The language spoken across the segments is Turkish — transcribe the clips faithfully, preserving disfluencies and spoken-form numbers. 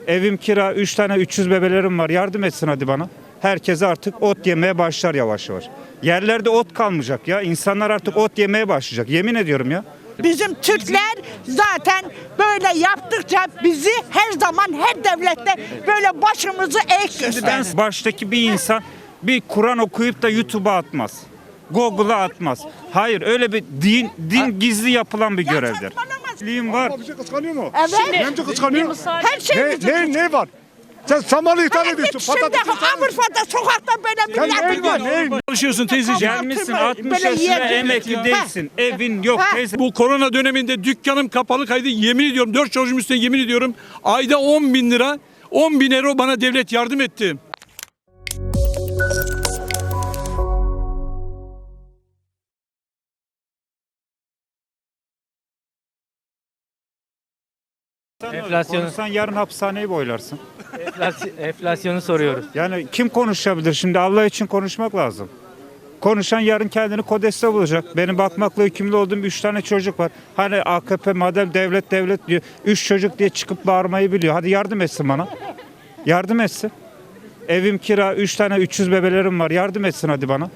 Evim kira, üç tane üç yüz bebelerim var. Yardım etsin hadi bana. Herkes artık ot yemeye başlar yavaş yavaş. Yerlerde ot kalmayacak ya. İnsanlar artık ot yemeye başlayacak. Yemin ediyorum ya. Bizim Türkler zaten böyle yaptıkça bizi her zaman her devlette böyle başımızı eğik gösterir. Baştaki bir insan bir Kur'an okuyup da YouTube'a atmaz. Google'a atmaz. Hayır, öyle bir din din gizli yapılan bir görevdir. Liğim var. Bir şey kıskanıyor mu? Evet. Neyince kıskanıyor? Her şey Ne, bizim. ne, ne var? Sen samanı ithal ediyorsun. Şimdi Patatesi ithal ediyorsun. Avrupa'da sokakta böyle Sen millet neyin var, yiyor. neyin? Çalışıyorsun teyzeciğim. Gelmişsin Böyle altmış yerdir. yaşına emekli Ha. değilsin. Evin yok Ha. teyze. Bu korona döneminde dükkanım kapalı kaydı. Yemin ediyorum dört çocuğum üstüne yemin ediyorum. Ayda on bin lira, on bin euro bana devlet yardım etti. Enflasyonu, Konuşsan yarın hapishaneyi boylarsın. enflasy- enflasyonu soruyoruz. Yani kim konuşabilir şimdi? Allah için konuşmak lazım. Konuşan yarın kendini Kodes'te bulacak. Benim bakmakla yükümlü olduğum üç tane çocuk var. Hani A K P madem devlet devlet diyor. Üç çocuk diye çıkıp bağırmayı biliyor. Hadi yardım etsin bana. Yardım etsin. Evim kira, üç tane üç yüz bebelerim var. Yardım etsin hadi bana.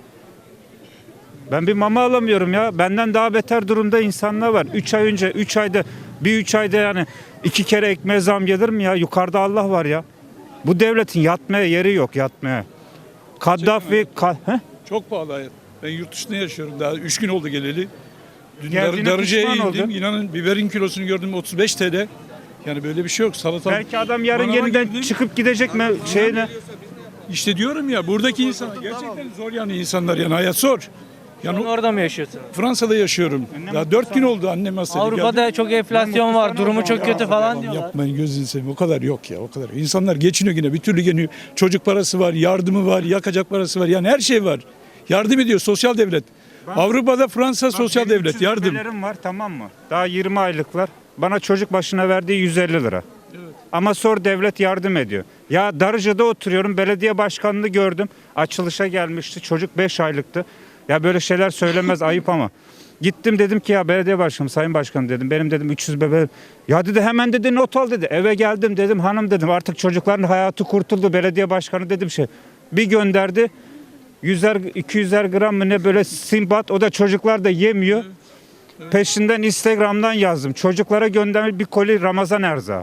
Ben bir mama alamıyorum ya. Benden daha beter durumda insanlar var. Üç ay önce, üç ayda, bir üç ayda yani iki kere ekmeğe zam gelir mi ya? Yukarıda Allah var ya. Bu devletin yatmaya yeri yok, yatmaya. Kaddafi, ka Heh? Çok pahalı hayat. Ben yurt dışında yaşıyorum daha. Üç gün oldu geleli. Dün Geldiğine Dar- Darıca'ya pişman indim. oldun. İnanın biberin kilosunu gördüm otuz beş T L. Yani böyle bir şey yok. Salata. Belki adam yarın Manava yeniden girdim. çıkıp gidecek mi şeyine? İşte diyorum ya buradaki insanlar gerçekten zor yani insanlar yani hayat zor. Yani Sen orada mı yaşıyorsunuz? Fransa'da yaşıyorum. Daha dört gün oldu annem hastaydı. Avrupa'da geldi. çok enflasyon var, durumu çok kötü falan diyorlar. Yapmayın gözünü seveyim. O kadar yok ya o kadar. İnsanlar geçiniyor yine bir türlü geliyor. Çocuk parası var, yardımı var, yakacak parası var. Yani her şey var. Yardım ediyor sosyal devlet. Avrupa'da Fransa sosyal Benim devlet üç yüz yardım. bebelerim var, tamam mı? Daha yirmi aylıklar. Bana çocuk başına verdiği yüz elli lira. Ama sor devlet yardım ediyor. Ya Darıca'da oturuyorum. Belediye başkanını gördüm. Açılışa gelmişti. Çocuk beş aylıktı. Ya böyle şeyler söylemez ayıp ama. Gittim dedim ki ya belediye başkanım, sayın başkanım dedim. Benim dedim üç yüz bebe. Ya dedi hemen dedi not al dedi. Eve geldim dedim hanım dedim artık çocukların hayatı kurtuldu. Belediye başkanı dedim şey. Bir gönderdi. Yüzer iki yüzer gram mı ne böyle simbat, o da çocuklar da yemiyor. Peşinden Instagram'dan yazdım. Çocuklara göndermiş bir koli Ramazan erzağı.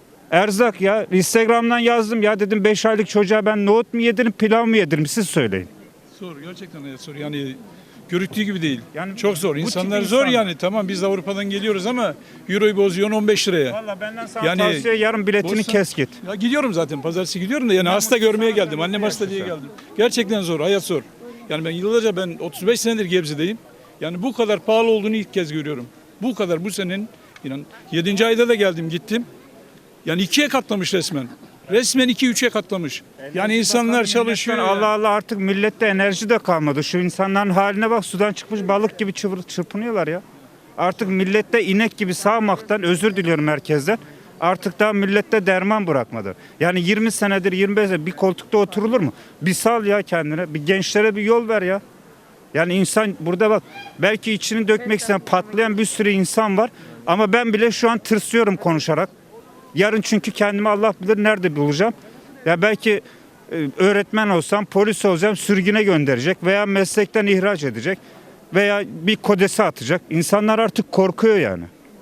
Erzak ya. Instagram'dan yazdım ya dedim beş aylık çocuğa ben nohut mu yedirim pilav mı yedirim siz söyleyin. Zor gerçekten hayat zor. Yani görüktüğü gibi değil. Yani çok zor. bu tip İnsanlar zor insan- yani. Tamam biz de Avrupa'dan geliyoruz ama euroyu bozuyorsun on beş liraya. Valla benden sana Yani tavsiye yarın biletini borsa- kes git. Ya gidiyorum zaten pazartesi gidiyorum da yani hasta görmeye geldim. Annem hasta diye geldim. Gerçekten zor. Hayat zor. Yani ben yıllarca ben otuz beş senedir Gebze'deyim. Yani bu kadar pahalı olduğunu ilk kez görüyorum. Bu kadar bu senenin inan yedinci ayda da geldim gittim. Yani ikiye katlamış resmen. Resmen iki üçe katlamış. Yani insanlar çalışıyor. Allah Allah artık millette enerji de kalmadı. Şu insanların haline bak, sudan çıkmış balık gibi çırpı- çırpınıyorlar ya. Artık millette inek gibi sağmaktan özür diliyorum herkesten. Artık daha millette derman bırakmadı. Yani yirmi senedir yirmi beş senedir bir koltukta oturulur mu? Bir sal ya kendine. Bir gençlere bir yol ver ya. Yani insan burada bak belki içini dökmek isteyen patlayan bir sürü insan var. Ama ben bile şu an tırsıyorum konuşarak. Yarın çünkü kendimi Allah bilir nerede bulacağım. Ya belki e, öğretmen olsam, polis olacağım, sürgüne gönderecek veya meslekten ihraç edecek veya bir kodese atacak. İnsanlar artık korkuyor yani.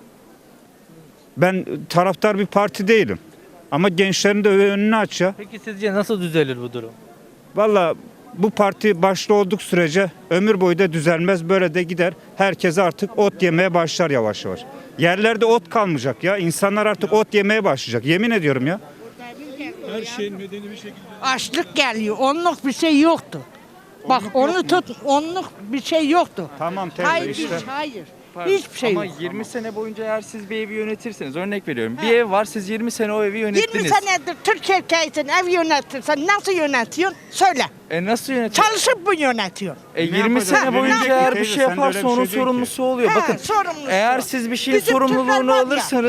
Ben taraftar bir parti değilim. Ama gençlerin de önünü aç ya. Peki sizce nasıl düzelir bu durum? Valla bu parti başta olduk sürece ömür boyu da düzelmez, böyle de gider. Herkes artık ot yemeye başlar yavaş yavaş. Yerlerde ot kalmayacak ya. İnsanlar artık ot yemeye başlayacak. Yemin ediyorum ya. Her şeyin medeni bir şekilde. Açlık geliyor. Onluk bir şey yoktu. Bak onu tut. Onluk bir şey yoktu. Tamam teyze Hayır, işte. hayır. Pardon, Hiçbir şey ama yok. yirmi sene boyunca eğer siz bir evi yönetirseniz, örnek veriyorum. Bir ev var, siz yirmi sene o evi yirmi yönettiniz. senedir Türk erkeğisin, ev yönetirsen nasıl yönetiyorsun? Söyle. E nasıl yönetiyor? Çalışıp mı yönetiyorsun? E Ne yirmi yapacağız? sene Ne boyunca yapacağız? eğer bir Teyze, şey sen de öyle yaparsa bir onun şey değil ki. sorumlusu oluyor. He, Bakın sorumlusu. eğer siz bir şeyin Bizim Türkler sorumluluğunu var ya. alırsanız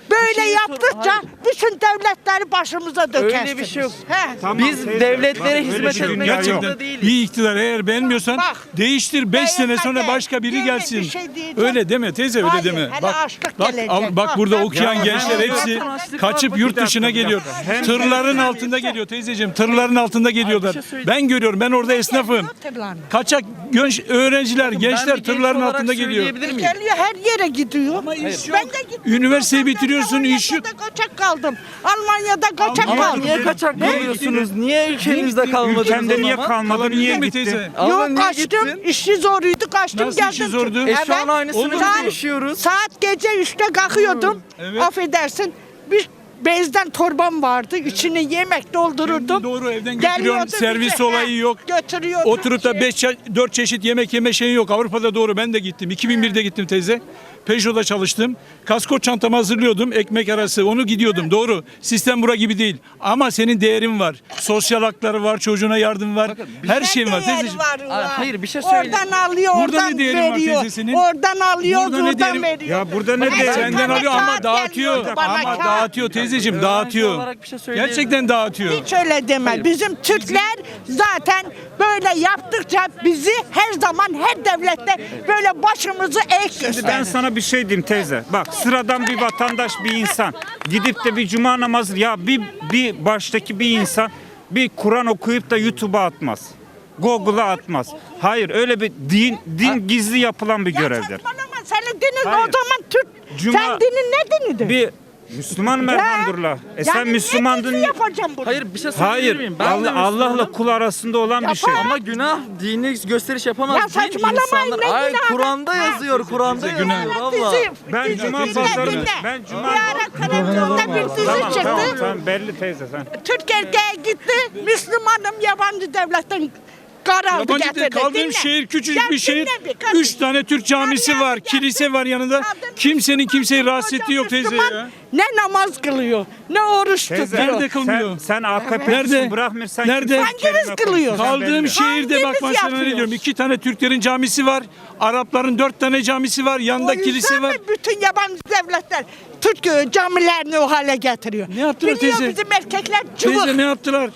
Böyle şey sor- yaptıkça Hayır. bütün devletleri başımıza dökersiniz. Öyle bir şey yok. He. Tamam, Biz teyze, devletlere bak, öyle hizmet bir dünya etmek yok. zorunda değiliz. Bir iktidar eğer beğenmiyorsan Bak, değiştir beş sene sonra beğenmeden başka biri yemin gelsin. bir şey diyeceğim. Öyle deme teyze öyle Hayır, deme. hele Bak açlık bak gelecek. al, bak Bak, burada ben- okuyan Ya, gençler hem- hepsi hem- kaçıp hem- yurt Bir dışına dakika, bir geliyor. dakika. Hem- Tırların altında geliyor teyzeciğim. Tırların altında geliyorlar. şey söyleyeyim. Ben görüyorum. Ben orada esnafım. Tırlarla. Kaçak genç öğrenciler, Ben gençler bir genç tırların olarak altında geliyor. söyleyebilir miyim? Geliyor her yere gidiyor. Ama iş Ben yok. de gittim. Üniversiteyi Ben de bitiriyorsun, iş yok. Almanya'da kaçak kaldım. Almanya'da kaçak Ama kaldım. niye kaçak kalıyorsunuz? Niye ülkenizde kalmadınız Ülkende o niye zaman? kalmadın, niye Kalabildin mi gittin? teyze? Ama Yok niye kaçtım. gittin? İşi zoruydu kaçtım Nasıl geldim. işi zordu? E şu an aynısını Olur. biz Saat- yaşıyoruz. Saat gece üçte kalkıyordum. Evet. Affedersin. Bir bezden torbam vardı. İçine yemek doldururdum. Şimdi doğru, evden götürüyorsun, Geliyordu servis bize, olayı he, yok. Götürüyordu. Oturup da Şey- beş dört çeşit yemek yeme şeyi yok. Avrupa'da doğru ben de gittim. iki bin birde gittim teyze. Peugeot'da çalıştım. Kasko çantamı hazırlıyordum. Ekmek arası onu gidiyordum. Doğru. Sistem bura gibi değil. Ama senin değerin var. Sosyal hakları var. Çocuğuna yardım var. Her Ne şeyin var değeri teyzeciğim. var Aa, ya? hayır, bir şey söyle. Oradan alıyor, Burada oradan ne değeri var veriyor. teyzesinin? Oradan alıyor, Burada ne buradan değeri- veriyor. Ya burada ne Bana değeri- bir Senden tane alıyor ama kağıt dağıtıyor. geliyordu bana, Ama kağıt. dağıtıyor teyzeciğim, Öğrenci dağıtıyor. olarak bir şey söyleyebilirim. Gerçekten dağıtıyor. Hiç öyle deme. Bizim Türkler zaten böyle yaptıkça bizi her zaman her devlette böyle başımızı eğik Ben gösterir. sana bir şey diyeyim teyze. Bak sıradan bir vatandaş bir insan gidip de bir cuma namazı ya bir bir baştaki bir insan bir Kur'an okuyup da YouTube'a atmaz. Google'a atmaz. Hayır öyle bir din din gizli yapılan bir Ya görevdir. saçmalama, senin dinin Hayır. o zaman Türk. Cuma- Sen dinin ne dinidir? Bir Müslümanım Ya, elhamdülillah. E sen yani Müslümandın. ne yapacağım bunu? Hayır bir şey söyleyebilir Hayır. miyim? Ben de Allah, Allah'la Müslümanım. kul arasında olan bir şey. Yapar. Ama günah dini gösteriş yapamaz. Ya Din saçmalamayın, insanlar- ne Ay günahı? Kur'an'da Ha. yazıyor. Kur'an'da Bize günah yazıyor. yok. Valla. Dizi, Ben dizi, cuma dinle, pazarı- dinle. ben cuma- Bir ara televizyonda bir dizi Tamam çıktı. tamam tamam belli teyze sen. Türk erkeği gitti, Müslümanım yabancı devletten kar aldı Yabancı getirdi. değil, kaldığım Dinle. şehir küçücük Ya bir şehir. dinle bir kardeşim. Üç tane Türk camisi Ya, ya, var, ya, kilise var yanında. Kadın Kimsenin kimseyi Müslüman, rahatsız ettiği yok teyze Müslüman ya. Ne namaz kılıyor, ne oruç Teyze, tutuyor. Nerede kılmıyor? Sen, sen A K P'lisin Nerede? bırakmıyorsan Nerede? kimse Hanginiz kelime kılıyor? konuşmaz, Kaldığım belli. şehirde bak Hangimiz ben sana ne yapıyoruz? diyorum. İki tane Türklerin camisi var. Arapların dört tane camisi var. O Yanında yüzden kilise var. mi bütün yabancı devletler Türk e, camilerini o hale getiriyor? Ne yaptılar Biliyor teyze? bizim erkekler cıvık. Teyze ne yaptılar?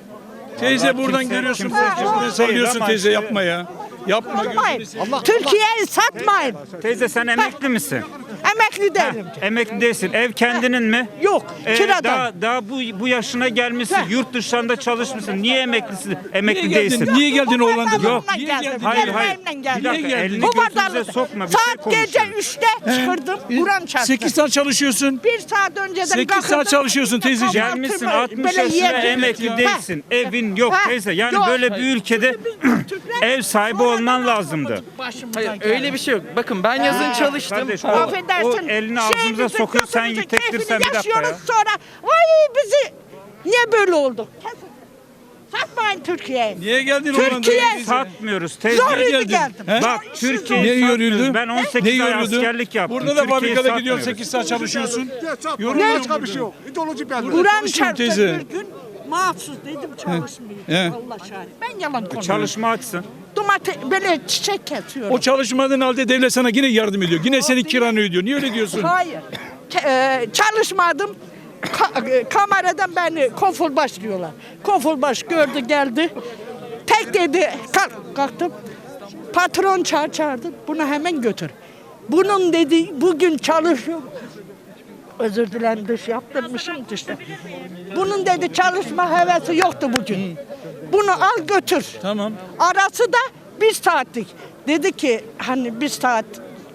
Teyze Allah buradan kimse- görüyorsun. kimse Buradan cıvık değil sallıyorsun ama teyze işte- yapma ya. Yapma Satmayın. gözünü seveyim. Türkiye'yi satmayın. Teyze sen emekli misin? Emekli değilim. Emekli değilsin. Ev kendinin mi? Yok, Ee, kiradan. Daha, daha bu bu yaşına gelmişsin. Heh. Yurt dışında çalışmışsın. Niye emeklisin? Niye Emekli geldin? değilsin. Niye geldin Bu Hollanda'dan? vatandaşımla Niye geldim. geldin? Hayır, Benim hayır. evimden Bir geldim. dakika, geldin? elini Bu gözünüze vatandaş. sokma. Bir şey Saat gece konuşuyoruz. üçte çıkırdım. Kur'an çarptı. Sekiz saat çalışıyorsun. Bir saat önceden Sekiz kalkırdım. saat çalışıyorsun teyzeciğim. Gelmişsin Kahvaltımı altmış böyle yaşına yerdim. emekli Ha. değilsin. Evin yok Ha. teyze. Yani Yok. böyle bir ülkede ev sahibi olman lazımdı. Hayır öyle bir şey yok. Bakın ben yazın çalıştım. Kardeş, o, Affedersin. o elini ağzımıza şeyimizin, sokuyor sen kötümüzün yitektirsen bir keyfini dakika ya. yaşıyoruz sonra. Ay bizi niye böyle oldu? Kesin. Satmayın Türkiye'yi. Niye geldin Türkiye- Hollanda'ya teyze? satmıyoruz teyze. Zor Niye yürü geldin? geldim. He? Bak İşsiz Türkiye oldum. Niye yoruldu? Ben on Ne sekiz ay yoruldu? askerlik yaptım. Burada da Türkiye'yi fabrikada gidiyorsun satmıyoruz. sekiz saat çalışıyorsun. Ne başka bir şey yok. İdeoloji belli. Kur'an Çalışıyorum çarptı teyze. bir gün mahsus dedim çalışmıyor. He. Allah şahit. Ben yalan konuşuyorum. Çalışma açsın. Domates böyle çiçek kesiyorum. O çalışmadığın halde devlet sana yine yardım ediyor. Yine senin kiranı ödüyor. Niye öyle diyorsun? Hayır. Ke- e, çalışmadım. Ka- e, kameradan beni konfolbaş diyorlar. Konfolbaş gördü geldi. Tek dedi kalk kalktım. Patron çağır çağırdı. Bunu hemen götür. Bunun dedi bugün çalışıyor. Özür dilerim dış yaptırmışım dışta. Bunun dedi çalışma hevesi yoktu bugün. Bunu al götür. Tamam. Arası da bir saatlik. Dedi ki hani bir saat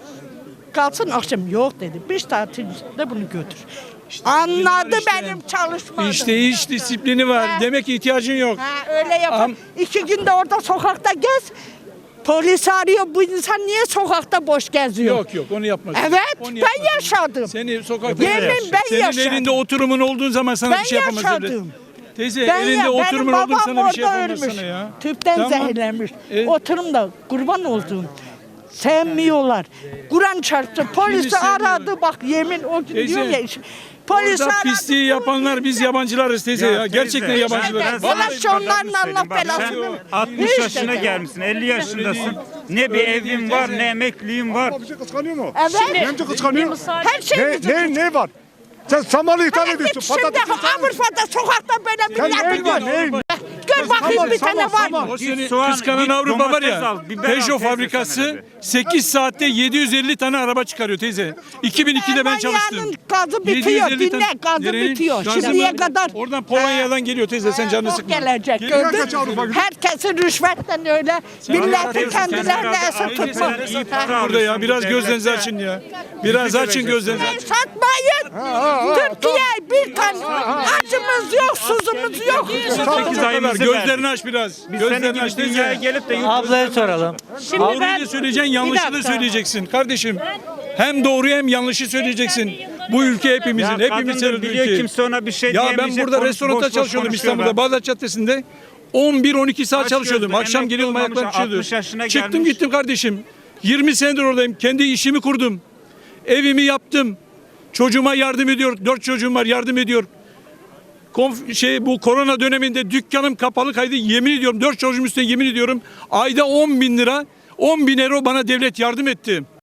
kalsın akşam yok dedi. Bir saatin içinde bunu götür. Anladı işte. benim çalışmadığımı. İşte iş disiplini var. Ha. Demek ki ihtiyacın yok. Ha, öyle yapar. Am- İki günde orada sokakta gez. Polis arıyor bu insan niye sokakta boş geziyor? Yok yok onu yapma. Evet Onu ben yapma. yaşadım. Seni sokakta Yemin yaşa. ben Senin yaşadım. elinde oturumun olduğun zaman sana Ben bir şey yapamaz devlet. yaşadım. Teyze Ben elinde ya, benim oturumun olduğun babam sana bir şey orada yapamaz ölmüş. sana ya. Tüpten Tamam. zehirlenmiş. E? Oturum da kurban olduğum. Sevmiyorlar. Kur'an çarptı. Polisi sevmiyorlar? aradı bak yemin o gün Teyze, diyor ya. Polis Orada aradı. pisliği yapanlar biz yabancılarız teyze ya. Ya teyze, Gerçekten işte yabancılarız. ben Vallahi sana bir şu onların kadarını Allah söyleyeyim. Bak, belasını sen versin. altmış Hiç yaşına de- gelmişsin, elli yaşındasın. Ne bir Öyle evin değil var, teyze. ne emekliliğin var. Bir şey kıskanıyor mu? Evet. Bence kıskanıyor. Her şey Ne, bizim. ne, ne var? Sen samanı ithal Hele ediyorsun. git şimdi Patatesi ithal ediyorsun. Avrupa'da sokakta böyle Sen milleti neyin var, gör. neyin? Gör bakayım Saman, bir tane saman, var mı? saman. O seni soğan, kıskanan git Avrupa var domates ya. al, biber al, Peugeot teyze fabrikası sana dedi. sekiz saatte yedi yüz elli tane araba çıkarıyor teyze. iki bin ikide ben çalıştım. Almanya'nın gazı bitiyor. yedi yüz elli Dinle gazı Nerenin? bitiyor. Gazı Şimdiye mı? kadar. Oradan Polonya'dan geliyor teyze sen canını Çok sıkma. gelecek Geliyor. kaç Avrupa gördün. gidiyor? Herkesin rüşvetten öyle. Milleti anlatıyorsun, kendilerine sen esir herhalde tutma. ailesi sen iyi Ha. para Burada ya alıyorsun biraz bu gözlerinizi devlette. açın ya. Biraz açın gözlerinizi. Hey, satmayın. Türkiye bir kan acımız yok, suzumuz yok. sekiz ayımızı Gözlerini verdik. aç biraz. Biz senin Gözlerini gibi aç dünyaya teyze. gelip de yurt Ablaya soralım. Şimdi Doğruyu ben da söyleyeceksin, yanlışı da dakika. söyleyeceksin kardeşim. Hem doğruyu hem yanlışı söyleyeceksin. Bu ülke hepimizin, Ya hepimiz kadındır, seviyoruz biliyor, ülkeyi. kimse ona bir şey Ya ben diyemeyecek, burada konuş- restoranda boş boş çalışıyordum konuşuyor İstanbul'da, ben. Bağdat Caddesi'nde. on bir on iki saat Kaç çalışıyordum. gözlü, Akşam emekli geliyordum, olmamış, ayaklarım altmış çiziyordu. yaşına Çıktım gelmiş. gittim kardeşim. yirmi senedir oradayım. Kendi işimi kurdum. Evimi yaptım. Çocuğuma yardım ediyor. Dört çocuğum var, yardım ediyor. Konf- şey bu korona döneminde dükkanım kapalı kaydı, yemin ediyorum dört çocuğum üstüne yemin ediyorum ayda on bin lira on bin euro bana devlet yardım etti.